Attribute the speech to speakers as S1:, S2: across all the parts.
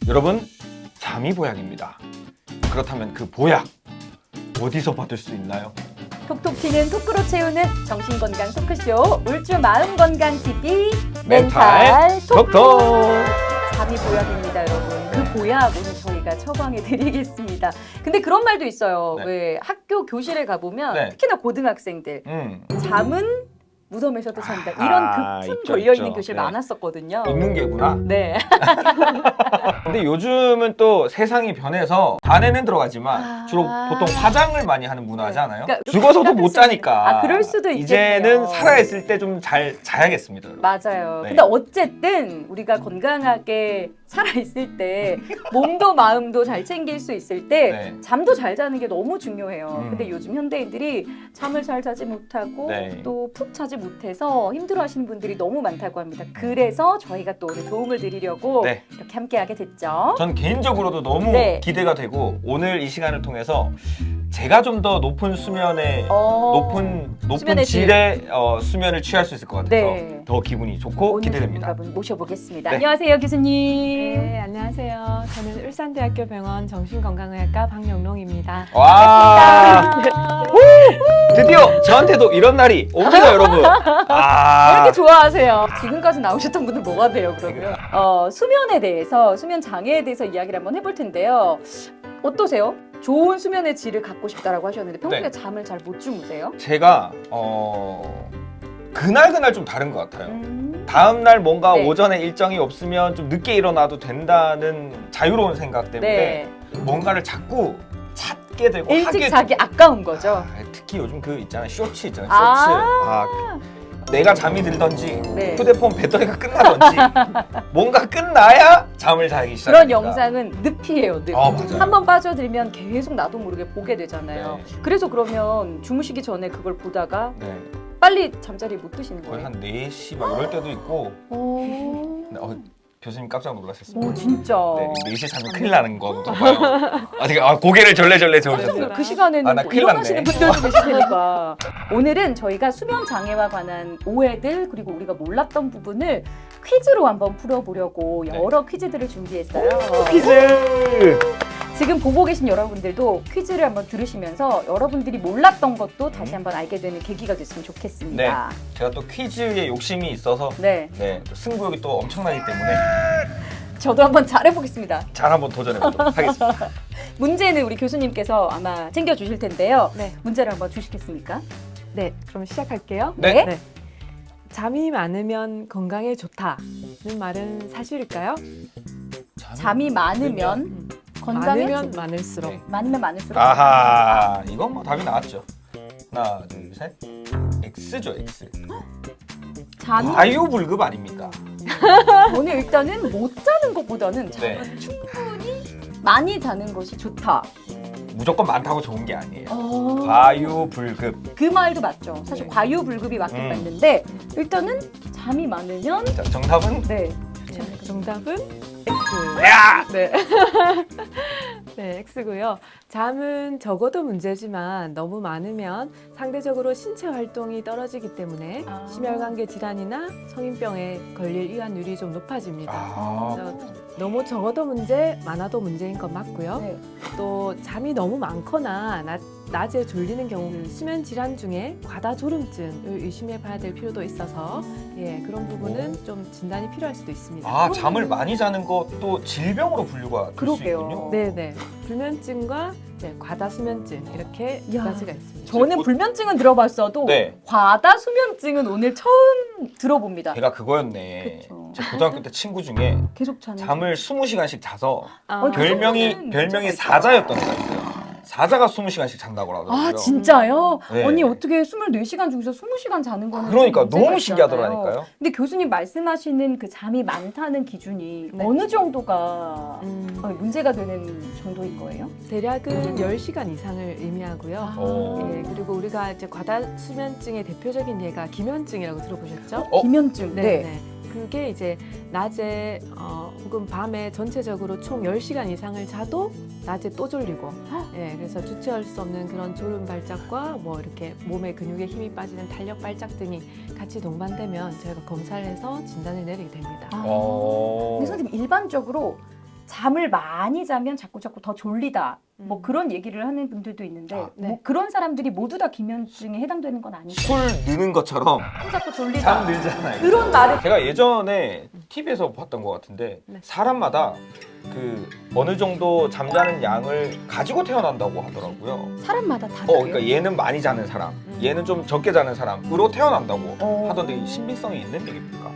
S1: 여러분, 잠이 보약입니다. 그렇다면 그 보약 어디서 받을 수 있나요?
S2: 톡톡 튀는 토크로 채우는 정신건강 토크쇼 울주 마음건강TV 멘탈 톡톡. 잠이 보약입니다, 여러분. 그 보약 오늘 저희가 처방해 드리겠습니다. 근데 그런 말도 있어요.
S1: 네.
S2: 왜 학교 교실에 가보면
S1: 네.
S2: 특히나 고등학생들 잠은 무덤에서도 잔다.
S1: 아하,
S2: 이런 급품
S1: 있죠,
S2: 걸려있는
S1: 있죠.
S2: 교실
S1: 네.
S2: 많았었거든요.
S1: 있는 게구나.
S2: 네.
S1: 근데 요즘은 또 세상이 변해서 반에는 들어가지만 주로 보통 화장을 많이 하는 문화지 않아요?
S2: 그러니까
S1: 죽어서도 못 자니까.
S2: 그럴 수도 있겠네요.
S1: 이제는 살아있을 때 좀 잘 자야겠습니다. 여러분.
S2: 맞아요.
S1: 네.
S2: 근데 어쨌든 우리가 건강하게 살아있을 때 몸도 마음도 잘 챙길 수 있을 때
S1: 네.
S2: 잠도 잘 자는 게 너무 중요해요. 근데
S1: 음.
S2: 요즘 현대인들이 잠을 잘 자지 못하고
S1: 네.
S2: 또 푹 자지 못해서 힘들어하시는 분들이 너무 많다고 합니다. 그래서 저희가 또 오늘 도움을 드리려고
S1: 네.
S2: 이렇게 함께하게 됐죠.
S1: 전 개인적으로도 너무
S2: 네.
S1: 기대가 되고 오늘 이 시간을 통해서 제가 좀 더 높은 수면의 높은
S2: 수면의 질.
S1: 질의 수면을 취할 수 있을 것 같아서
S2: 네.
S1: 더 기분이 좋고
S2: 오늘
S1: 기대됩니다.
S2: 전문가분 모셔보겠습니다.
S1: 네.
S2: 안녕하세요, 교수님.
S3: 네, 안녕하세요. 저는 울산대학교 병원 정신건강의학과 박영롱입니다.
S1: 와, 드디어 저한테도 이런 날이 옵니다, 여러분.
S2: 왜
S1: 아,
S2: 이렇게 좋아하세요? 지금까지 나오셨던 분들 뭐가 돼요, 그러면? 수면에 대해서, 수면 장애에 대해서 이야기를 한번 해볼 텐데요. 어떠세요? 좋은 수면의 질을 갖고 싶다라고 하셨는데 평소에
S1: 네.
S2: 잠을 잘 못 주무세요?
S1: 제가 그날 좀 다른 것 같아요.
S2: 음.
S1: 다음 날 뭔가
S2: 네.
S1: 오전에 일정이 없으면 좀 늦게 일어나도 된다는 자유로운 생각 때문에
S2: 네.
S1: 뭔가를 자꾸 찾게 되고
S2: 일찍
S1: 하게
S2: 자기 아까운 거죠.
S1: 특히 요즘 그 있잖아요, 쇼츠 있잖아요, 쇼츠.
S2: 아.
S1: 내가 잠이 들던지
S2: 네.
S1: 휴대폰 배터리가 끝나던지 뭔가 끝나야 잠을 자기 시작합니다.
S2: 그런 영상은 늪이에요, 늪.
S1: 맞아요.
S2: 한번 빠져들면 계속 나도 모르게 보게 되잖아요.
S1: 네.
S2: 그래서 그러면 주무시기 전에 그걸 보다가
S1: 네,
S2: 빨리 잠자리 못 드시는
S1: 거의
S2: 거예요?
S1: 한 4시 막 이럴 때도 있고.
S2: 오.
S1: 네, 교수님 깜짝 놀라셨습니다.
S2: 오, 진짜.
S1: 네, 4시에 자면 큰일 나는 건가 봐요. 고개를 절레절레 저으셨어요.
S2: 그 시간에는
S1: 나
S2: 뭐
S1: 큰일
S2: 일어나시는
S1: 났네.
S2: 분들도 계실 테니까 오늘은 저희가 수면 장애와 관한 오해들 그리고 우리가 몰랐던 부분을 퀴즈로 한번 풀어보려고
S1: 네.
S2: 여러 퀴즈들을 준비했어요.
S1: 퀴즈!
S2: 지금 보고 계신 여러분들도 퀴즈를 한번 들으시면서 여러분들이 몰랐던 것도 다시 한번 알게 되는 계기가 됐으면 좋겠습니다.
S1: 제가 또 퀴즈에 욕심이 있어서
S2: 네,
S1: 또 승부욕이 또 엄청나기 때문에
S2: 저도 한번 잘해보겠습니다.
S1: 잘 한번 도전해보도록 하겠습니다.
S2: 문제는 우리 교수님께서 아마 챙겨주실 텐데요.
S3: 네,
S2: 문제를 한번 주시겠습니까?
S3: 네, 그럼 시작할게요.
S1: 네.
S3: 네. 잠이 많으면 건강에 좋다는 말은 사실일까요?
S2: 잠이 많으면 건강에
S3: 많으면 많을수록.
S1: 네.
S2: 많으면 많을수록
S1: 아하, 이건 뭐 답이 나왔죠. 하나, 둘, 셋. X죠, X.
S2: 잠이
S1: 과유불급 아닙니까?
S2: 저는 일단은 못 자는 것보다는
S1: 네.
S2: 잠을 충분히 많이 자는 것이 좋다.
S1: 무조건 많다고 좋은 게 아니에요.
S2: 어.
S1: 과유불급.
S2: 그 말도 맞죠. 사실
S1: 네.
S2: 과유불급이 맞긴 맞는데 일단은 잠이 많으면
S1: 자, 정답은?
S2: 네.
S3: 정답은 X.
S1: 야!
S3: 네. 네, X고요. 잠은 적어도 문제지만 너무 많으면 상대적으로 신체 활동이 떨어지기 때문에
S2: 아.
S3: 심혈관계 질환이나 성인병에 걸릴 위험률이 좀 높아집니다.
S1: 아,
S3: 그래서 너무 적어도 문제, 많아도 문제인 건 맞고요.
S2: 네.
S3: 또 잠이 너무 많거나 낮에 졸리는 경우 수면 질환 중에 과다졸음증을 의심해 봐야 될 필요도 있어서 그런 부분은 좀 진단이 필요할 수도 있습니다.
S1: 잠을 많이 자는 것도 질병으로 분류가 될 수
S2: 그러게요.
S1: 있군요.
S3: 네네. 불면증과 과다수면증 이렇게 두
S2: 야.
S3: 가지가 있습니다.
S2: 저는 불면증은 들어봤어도
S1: 네.
S2: 과다수면증은 오늘 처음 들어봅니다.
S1: 걔가 그거였네.
S2: 그쵸.
S1: 제 고등학교 때 친구 중에
S2: 계속 자는
S1: 잠을 20시간씩 자서
S3: 아,
S1: 별명이
S2: 문제가 있다.
S1: 사자였던 애가 있어요. 사자가 20시간씩 잔다고 하더라고요.
S2: 아 진짜요?
S1: 네.
S2: 언니 어떻게 24시간 중에서 20시간 자는 거는
S1: 그러니까
S2: 좀 문제가
S1: 너무
S2: 있잖아요.
S1: 신기하더라니까요.
S2: 근데 교수님 말씀하시는 그 잠이 많다는 기준이
S3: 네.
S2: 어느 정도가 문제가 되는 정도인 거예요?
S3: 대략은 10시간 이상을 의미하고요.
S1: 어.
S3: 그리고 우리가 이제 과다수면증의 대표적인 예가 기면증이라고 들어보셨죠?
S2: 기면증. 네.
S3: 그게 이제 낮에 혹은 밤에 전체적으로 총 10시간 이상을 자도 낮에 또 졸리고 그래서 주체할 수 없는 그런 졸음 발작과 뭐 이렇게 몸의 근육에 힘이 빠지는 탄력 발작 등이 같이 동반되면 저희가 검사를 해서 진단을 내리게 됩니다.
S2: 근데 선생님 일반적으로 잠을 많이 자면 자꾸 더 졸리다. 뭐 그런 얘기를 하는 분들도 있는데
S3: 네.
S2: 뭐 그런 사람들이 모두 다 기면증에 해당되는 건 아니죠.
S1: 술 느는 것처럼
S2: 자꾸 졸리다.
S1: 잠 늘잖아요.
S2: 그런 말을
S1: 제가 예전에 TV에서 봤던 것 같은데
S3: 네.
S1: 사람마다 그 어느 정도 잠자는 양을 가지고 태어난다고 하더라고요.
S2: 사람마다 다 그래요.
S1: 그러니까 얘는 많이 자는 사람, 얘는 좀 적게 자는 사람으로 태어난다고
S2: 어.
S1: 하던데 이 신빙성이 있는 얘기입니까?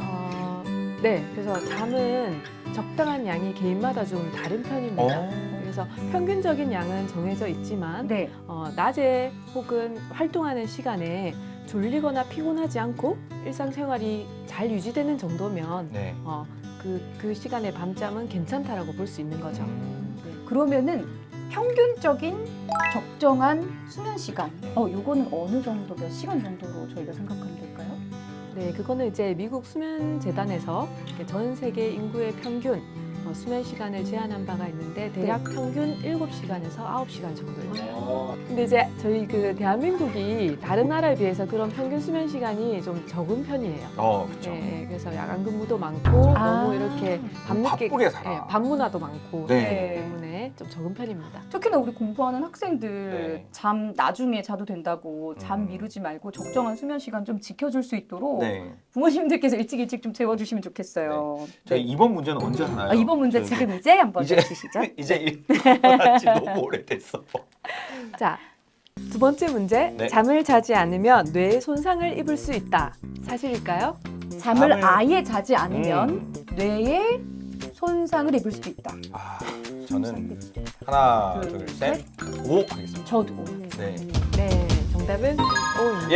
S3: 네, 그래서 잠은 적당한 양이 개인마다 좀 다른 편입니다. 그래서 평균적인 양은 정해져 있지만
S2: 네.
S3: 낮에 혹은 활동하는 시간에 졸리거나 피곤하지 않고 일상생활이 잘 유지되는 정도면
S1: 네.
S3: 그 시간의 밤잠은 괜찮다라고 볼 수 있는 거죠. 네.
S2: 그러면은 평균적인 적정한 수면 시간. 요거는 어느 정도 몇 시간 정도로 저희가 생각하면 될까요?
S3: 네, 그거는 이제 미국 수면재단에서 전 세계 인구의 평균 수면 시간을 제한한 바가 있는데 대략 평균 7시간에서 9시간 정도예요. 근데 이제 저희 그 대한민국이 다른 나라에 비해서 그런 평균 수면 시간이 좀 적은 편이에요.
S1: 그렇죠.
S3: 네, 그래서 야간 근무도 많고
S2: 아.
S3: 너무 이렇게 밤늦게
S1: 바쁘게 살아.
S3: 네, 밤문화도 많고
S1: 네.
S3: 그렇기 때문에 좀 적은 편입니다.
S2: 특히나 우리 공부하는 학생들
S1: 네.
S2: 잠 나중에 자도 된다고 잠
S1: 음.
S2: 미루지 말고 적정한 수면 시간 좀 지켜줄 수 있도록
S1: 네.
S2: 부모님들께서 일찍 좀 재워주시면 좋겠어요.
S1: 저희 이번 문제는 언제 하나요?
S2: 이번 문제
S1: 저희
S2: 지금 이제 한번
S1: 이제-
S2: 내주시죠.
S1: 이제 일어난 지 너무 오래됐어.
S3: 자, 두 번째 문제.
S1: 네.
S3: 잠을 자지 않으면 뇌에 손상을 입을 수 있다. 사실일까요?
S2: 잠을
S1: 잠을-
S2: 아예 자지 않으면 뇌에 손상을 입을 수도 있다.
S1: 저는 하나,
S2: 둘,
S1: 둘, 셋, 오 하겠습니다.
S2: 저도.
S1: 네.
S3: 네, 정답은 O입니다.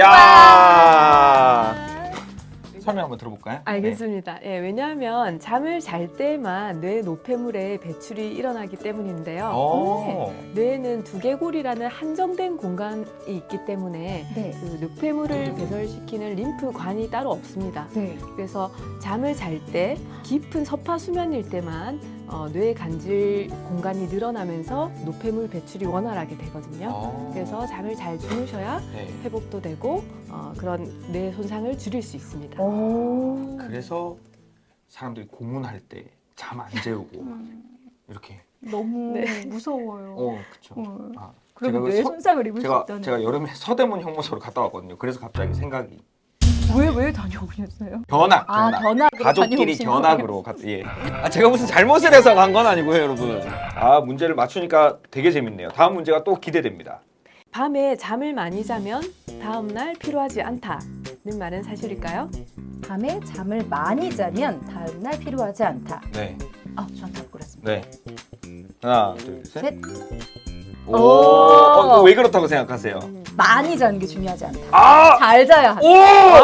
S1: 야. 설명 한번 들어볼까요?
S3: 알겠습니다. 예, 왜냐하면 잠을 잘 때만 뇌 노폐물의 배출이 일어나기 때문인데요.
S1: 오.
S3: 뇌에는 두개골이라는 한정된 공간이 있기 때문에
S2: 네.
S3: 그 노폐물을 배설시키는 림프관이 따로 없습니다.
S2: 네.
S3: 그래서 잠을 잘 때 깊은 서파 수면일 때만 뇌 간질 공간이 늘어나면서 노폐물 배출이 원활하게 되거든요. 그래서 잠을 잘 주무셔야
S1: 네.
S3: 회복도 되고 그런 뇌 손상을 줄일 수 있습니다.
S2: 오.
S1: 그래서 사람들이 고문할 때 잠 안 재우고 이렇게.
S2: 너무
S3: 네.
S2: 무서워요.
S1: 그렇죠.
S2: 어.
S1: 제가
S2: 그리고
S1: 그
S2: 뇌
S1: 서-
S2: 손상을 입을 수
S1: 제가
S2: 있다는.
S1: 제가 여름에 서대문 형무소를 갔다 왔거든요. 그래서 갑자기 생각이
S2: 왜 다녀오셨어요?
S1: 견학,
S2: 아,
S1: 견학.
S2: 견학으로
S1: 가족끼리
S2: 다녀오신
S1: 견학으로 예. 제가 무슨 잘못을 해서 간 건 아니고요, 여러분. 문제를 맞추니까 되게 재밌네요. 다음 문제가 또 기대됩니다.
S3: 밤에 잠을 많이 자면 다음날 피로하지 않다는 말은 사실일까요?
S2: 밤에 잠을 많이 자면 다음날 필요하지 않다.
S1: 네,
S2: 전 답 골랐습니다.
S1: 네. 하나, 둘, 셋.
S2: 셋.
S1: 왜 그렇다고 생각하세요?
S2: 많이 자는 게 중요하지 않다.
S1: 아,
S2: 잘 자야 한다.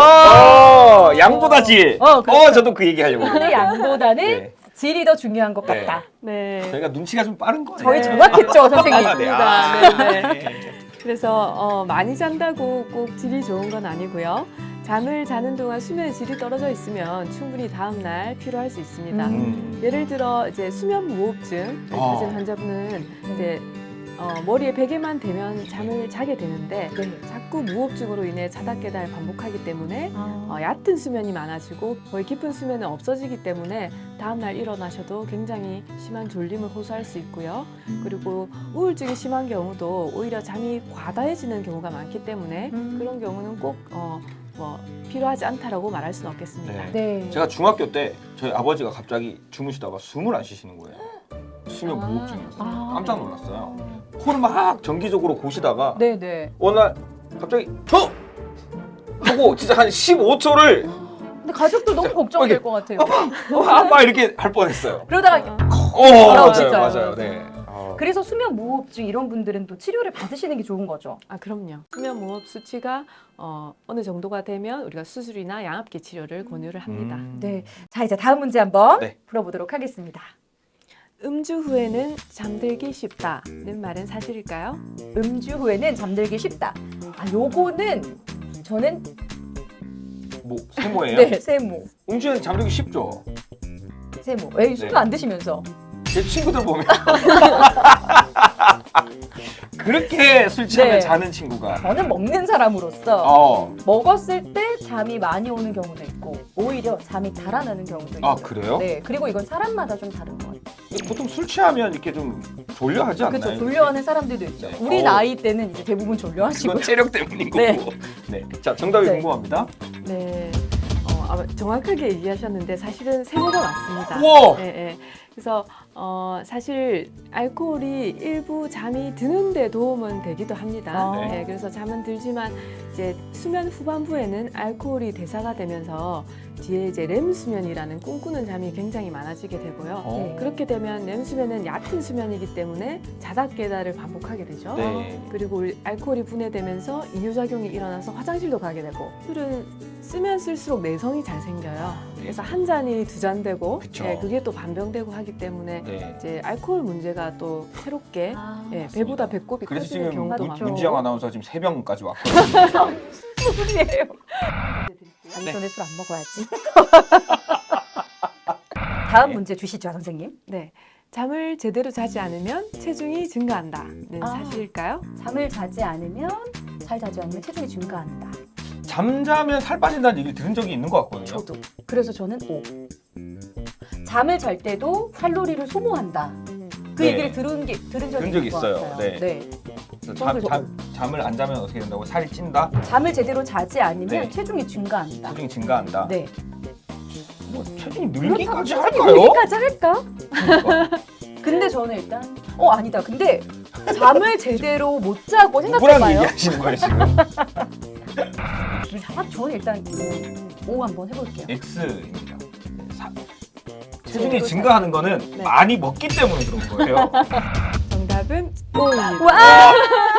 S1: 양보다 질.
S2: 그렇죠.
S1: 저도 그 얘기 하려고.
S2: 그 양보다는
S1: 네.
S2: 질이 더 중요한 것
S1: 네.
S2: 같다.
S3: 네.
S1: 저희가 눈치가 좀 빠른 거예요.
S2: 저희 정확했죠, 선생님.
S1: 아, 네.
S3: 맞습니다.
S1: 네.
S3: 그래서 많이 잔다고 꼭 질이 좋은 건 아니고요. 잠을 자는 동안 수면의 질이 떨어져 있으면 충분히 다음날 피로할 수 있습니다. 예를 들어 이제 수면 무호흡증 가진 환자분은 이제 머리에 베개만 대면 잠을 자게 되는데 자꾸 무호흡증으로 인해 자다 깨달 반복하기 때문에 얕은 수면이 많아지고 거의 깊은 수면은 없어지기 때문에 다음날 일어나셔도 굉장히 심한 졸림을 호소할 수 있고요. 그리고 우울증이 심한 경우도 오히려 잠이 과다해지는 경우가 많기 때문에 그런 경우는 꼭 필요하지 않다라고 말할 수는 없겠습니다.
S2: 네.
S1: 제가 중학교 때 저희 아버지가 갑자기 주무시다가 숨을 안 쉬시는 거예요. 수면 무호흡증이었어요. 깜짝 놀랐어요. 코를 막 정기적으로 고시다가
S2: 네네.
S1: 어느 날 갑자기 턱! 하고 진짜 한 15초를
S2: 근데 가족도 너무 걱정될 것 같아요.
S1: 막 이렇게 할 뻔했어요.
S2: 그러다가
S1: 맞아요,
S2: 진짜요.
S1: 맞아요. 네.
S2: 그래서 수면 무호흡증 이런 분들은 또 치료를 받으시는 게 좋은 거죠.
S3: 그럼요. 수면 무호흡 수치가 어느 정도가 되면 우리가 수술이나 양압기 치료를 권유를 합니다.
S2: 네. 자, 이제 다음 문제 한번
S1: 네.
S2: 풀어보도록 하겠습니다.
S3: 음주 후에는 잠들기 쉽다는 말은 사실일까요?
S2: 음주 후에는 잠들기 쉽다. 요거는 저는
S1: 뭐 세모예요?
S2: 네, 세모.
S1: 음주는 잠들기 쉽죠.
S2: 세모. 술도
S1: 네.
S2: 안 드시면서.
S1: 제 친구들 보면 그렇게 술 취하면
S2: 네.
S1: 자는 친구가.
S2: 저는 먹는 사람으로서 먹었을 때 잠이 많이 오는 경우도 있고 오히려 잠이 달아나는 경우도 있어요.
S1: 아, 그래요?
S2: 네. 그리고 이건 사람마다 좀 다른 것 같아요.
S1: 보통 술 취하면 이렇게 좀 졸려하지 않나요?
S2: 그렇죠. 졸려하는 사람들도 있죠.
S1: 네.
S2: 우리 나이 때는 이제 대부분 졸려하시고.
S1: 이건 체력 때문인 거고.
S2: 네.
S1: 네. 자, 정답이
S2: 네.
S1: 궁금합니다.
S3: 네. 아마 정확하게 얘기하셨는데 사실은 세모가 맞습니다.
S1: 우와!
S3: 네, 네. 그래서 사실 알코올이 일부 잠이 드는데 도움은 되기도 합니다.
S2: 아.
S3: 네, 그래서 잠은 들지만 이제 수면 후반부에는 알코올이 대사가 되면서 뒤에 이제 렘 수면이라는 꿈꾸는 잠이 굉장히 많아지게 되고요.
S1: 네.
S3: 그렇게 되면 렘 수면은 얕은 수면이기 때문에 자다 깨다를 반복하게 되죠.
S1: 네.
S3: 그리고 알코올이 분해되면서 이뇨작용이 일어나서 화장실도 가게 되고 술은 쓰면 쓸수록 내성이 잘 생겨요. 그래서 한 잔이 두 잔 되고
S1: 그쵸.
S3: 예, 그게 또 반병되고 하기 때문에
S1: 네.
S3: 이제 알코올 문제가 또 새롭게
S2: 아,
S3: 예, 배보다 배꼽이
S1: 그래서
S3: 커지는
S1: 지금
S3: 경우도
S2: 맞죠.
S3: 많고
S1: 문지영 아나운서 지금 3병까지 왔거든요.
S2: 무슨 소리예요?
S1: 네.
S2: 안전에 술 안 먹어야지. 다음
S1: 네.
S2: 문제 주시죠, 선생님.
S3: 네, 잠을 제대로 자지 않으면 체중이 증가한다는
S2: 아.
S3: 사실일까요?
S2: 잠을 자지 않으면 잘 자지 않으면 체중이 증가한다.
S1: 잠자면 살 빠진다는 얘기 들은 적이 있는 것 같거든요.
S2: 저도. 그래서 저는 O. 잠을 잘 때도 칼로리를 소모한다. 그
S1: 네.
S2: 얘기를 들은 적이
S1: 들은 적이
S2: 있는 것
S1: 있어요.
S2: 같아요.
S1: 네.
S2: 네.
S1: 그래서
S2: 저도
S1: 잠을 안 자면 어떻게 된다고? 살이 찐다?
S2: 잠을 제대로 자지 않으면
S1: 네.
S2: 체중이 증가한다.
S1: 체중이 증가한다?
S2: 네.
S1: 뭐 체중이 늘기까지
S2: 그렇다고
S1: 할까요?
S2: 늘기까지 할까?
S1: 그러니까.
S2: 근데 저는 일단 아니다. 근데 잠을 제대로 못 자고
S1: 누구랑
S2: 생각해봐요.
S1: 얘기하시는 거예요 지금?
S2: 저는 일단 O 한번 해볼게요.
S1: X입니다. 체중이
S2: 제대로
S1: 증가하는 거는
S3: 네.
S1: 많이 먹기 때문에 그런 거예요.
S3: 정답은 O입니다.
S2: 와!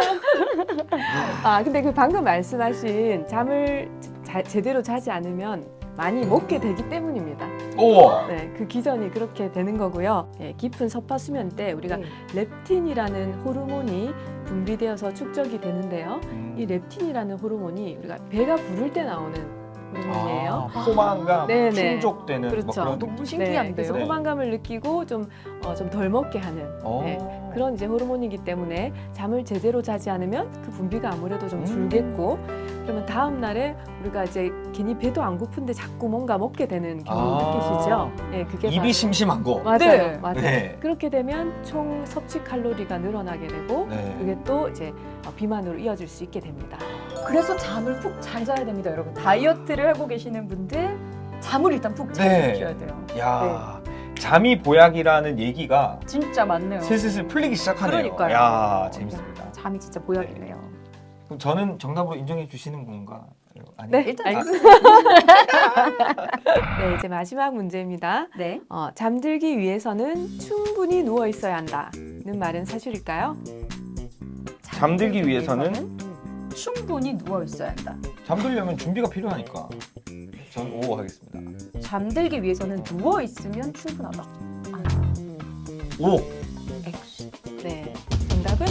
S3: 아, 근데 그 방금 말씀하신 잠을 제대로 자지 않으면 많이 먹게 되기 때문입니다.
S1: 오.
S3: 네, 그 기전이 그렇게 되는 거고요. 예, 깊은 서파 수면 때 우리가
S2: 네.
S3: 렙틴이라는 호르몬이 분비되어서 축적이 되는데요. 이 렙틴이라는 호르몬이 우리가 배가 부를 때 나오는 호르몬이에요.
S1: 포만감
S3: 네네.
S1: 충족되는
S3: 그렇죠.
S1: 뭐 그런
S2: 너무
S3: 네,
S2: 신기한데요.
S3: 그래서
S1: 네.
S3: 포만감을 느끼고 좀 덜 먹게 하는 네, 그런 이제 호르몬이기 때문에 잠을 제대로 자지 않으면 그 분비가 아무래도 좀 줄겠고 그러면 다음 날에 우리가 이제 괜히 배도 안 고픈데 자꾸 뭔가 먹게 되는 경우 느끼시죠? 네, 그게
S1: 입이
S3: 바로-
S1: 심심한 거.
S3: 맞아요,
S2: 네.
S3: 맞아요.
S1: 네.
S3: 그렇게 되면 총 섭취 칼로리가 늘어나게 되고
S1: 네.
S3: 그게 또 이제 비만으로 이어질 수 있게 됩니다.
S2: 그래서 잠을 푹 잘 자야 됩니다, 여러분. 다이어트를 하고 계시는 분들 잠을 일단 푹 잘
S1: 네.
S2: 주셔야 돼요.
S1: 야, 잠이 보약이라는 얘기가
S2: 진짜 맞네요.
S1: 슬슬 풀리기 시작하네요.
S2: 그러니까요.
S1: 야, 재밌습니다.
S2: 잠이 진짜 보약이네요.
S1: 그럼 저는 정답으로 인정해 주시는 건가? 아니.
S3: 네,
S2: 일단
S3: 알겠습니다. 네, 이제 마지막 문제입니다.
S2: 네.
S3: 잠들기 위해서는 충분히 누워 있어야 한다는 말은 사실일까요?
S1: 잠들기 위해서는
S2: 충분히 누워 있어야 한다.
S1: 잠들려면 준비가 필요하니까. 전 O 하겠습니다.
S2: 잠들기 위해서는 누워 있으면 충분하다.
S1: O.
S2: X.
S3: 네, 정답은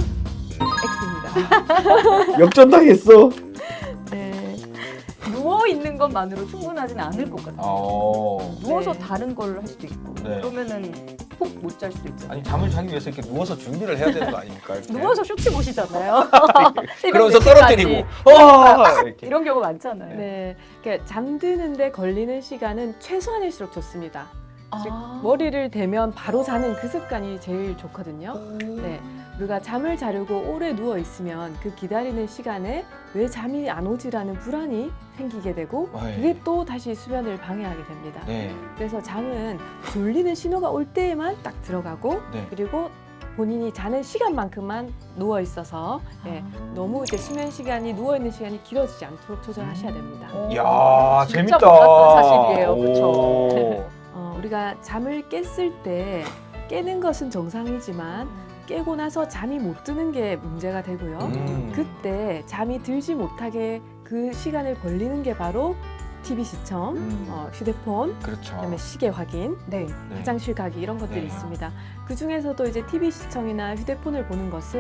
S3: X입니다.
S1: 역전당했어.
S3: 네,
S2: 누워 있는 것만으로 충분하지는 않을 것 같아요. 누워서
S3: 네.
S2: 다른 걸 할 수도 있고
S1: 네.
S2: 그러면은 푹 못 잘 수도 있잖아요.
S1: 아니 잠을 자기 위해서 이렇게 누워서 준비를 해야 되는 거 아닙니까? 이렇게?
S2: 누워서 쇼츠 보시잖아요.
S1: 그러면서
S2: 새벽 4시까지.
S1: 떨어뜨리고. 이렇게.
S2: 이런 경우 많잖아요.
S3: 네, 그러니까 잠드는데 걸리는 시간은 최소한일수록 좋습니다. 즉,
S2: 아.
S3: 머리를 대면 바로 자는 그 습관이 제일 좋거든요. 네, 우리가 잠을 자려고 오래 누워 있으면 그 기다리는 시간에 왜 잠이 안 오지라는 불안이 생기게 되고
S1: 네.
S3: 그게 또 다시 수면을 방해하게 됩니다.
S1: 네.
S3: 그래서 잠은 졸리는 신호가 올 때에만 딱 들어가고
S1: 네.
S3: 그리고 본인이 자는 시간만큼만 누워 있어서 예, 너무 이제 수면 시간이 누워 있는 시간이 길어지지 않도록 조절하셔야 됩니다.
S1: 이야,
S2: 진짜
S1: 재밌다.
S2: 몰랐던 사실이에요. 그쵸?
S1: 오.
S3: 우리가 잠을 깼을 때 깨는 것은 정상이지만 깨고 나서 잠이 못 드는 게 문제가 되고요. 그때 잠이 들지 못하게 그 시간을 벌리는 게 바로 TV 시청, 휴대폰,
S1: 그렇죠.
S3: 그다음에 시계 확인,
S2: 네.
S3: 화장실 가기 이런 것들이
S1: 네.
S3: 있습니다. 그 중에서도 이제 TV 시청이나 휴대폰을 보는 것은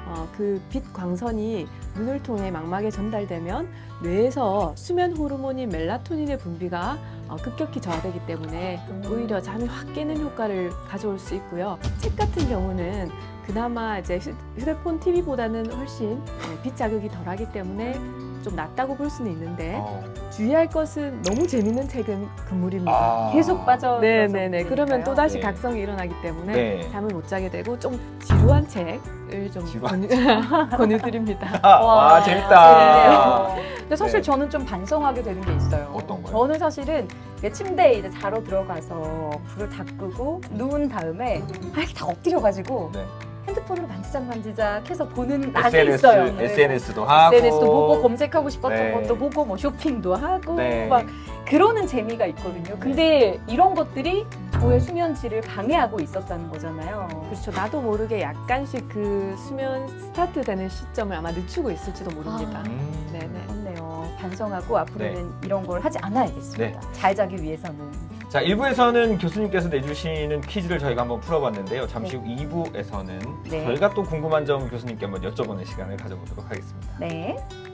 S3: 그 빛 광선이 눈을 통해 망막에 전달되면 뇌에서 수면 호르몬인 멜라토닌의 분비가 급격히 저하되기 때문에 오히려 잠이 확 깨는 효과를 가져올 수 있고요. 책 같은 경우는 그나마 이제 휴대폰, TV보다는 훨씬 빛 자극이 덜하기 때문에 좀 낫다고 볼 수는 있는데 주의할 것은 너무 재밌는 책은 금물입니다.
S2: 계속 빠져.
S3: 네네네. 그러면 또 다시
S1: 네.
S3: 각성이 일어나기 때문에
S1: 네.
S3: 잠을 못 자게 되고 좀 지루한 책을 좀 권유드립니다.
S1: 와, 재밌다.
S2: 근데 사실
S1: 네.
S2: 저는 좀 반성하게 되는 게 있어요.
S1: 어떤 거요?
S2: 저는 사실은 이게 침대에 이제 자러 들어가서 불을 다 끄고 누운 다음에 이렇게 다 엎드려가지고
S1: 네.
S2: 핸드폰으로 만지작 해서 보는 날이 있어요. 네.
S1: SNS도 하고
S2: SNS도 보고 검색하고 싶었던
S1: 네.
S2: 것도 보고 뭐 쇼핑도 하고
S1: 네.
S2: 막 그러는 재미가 있거든요. 근데 이런 것들이 저의 수면 질을 방해하고 있었다는 거잖아요.
S3: 그렇죠. 나도 모르게 약간씩 그 수면 스타트 되는 시점을 아마 늦추고 있을지도 모릅니다. 네네.
S2: 그렇네요. 반성하고 앞으로는 이런 걸 하지 않아야겠습니다. 잘 자기 위해서는.
S1: 자, 1부에서는 교수님께서 내주시는 퀴즈를 저희가 한번 풀어봤는데요. 잠시 후 2부에서는
S2: 네.
S1: 저희가 또 궁금한 점 교수님께 한번 여쭤보는 시간을 가져보도록 하겠습니다.
S2: 네.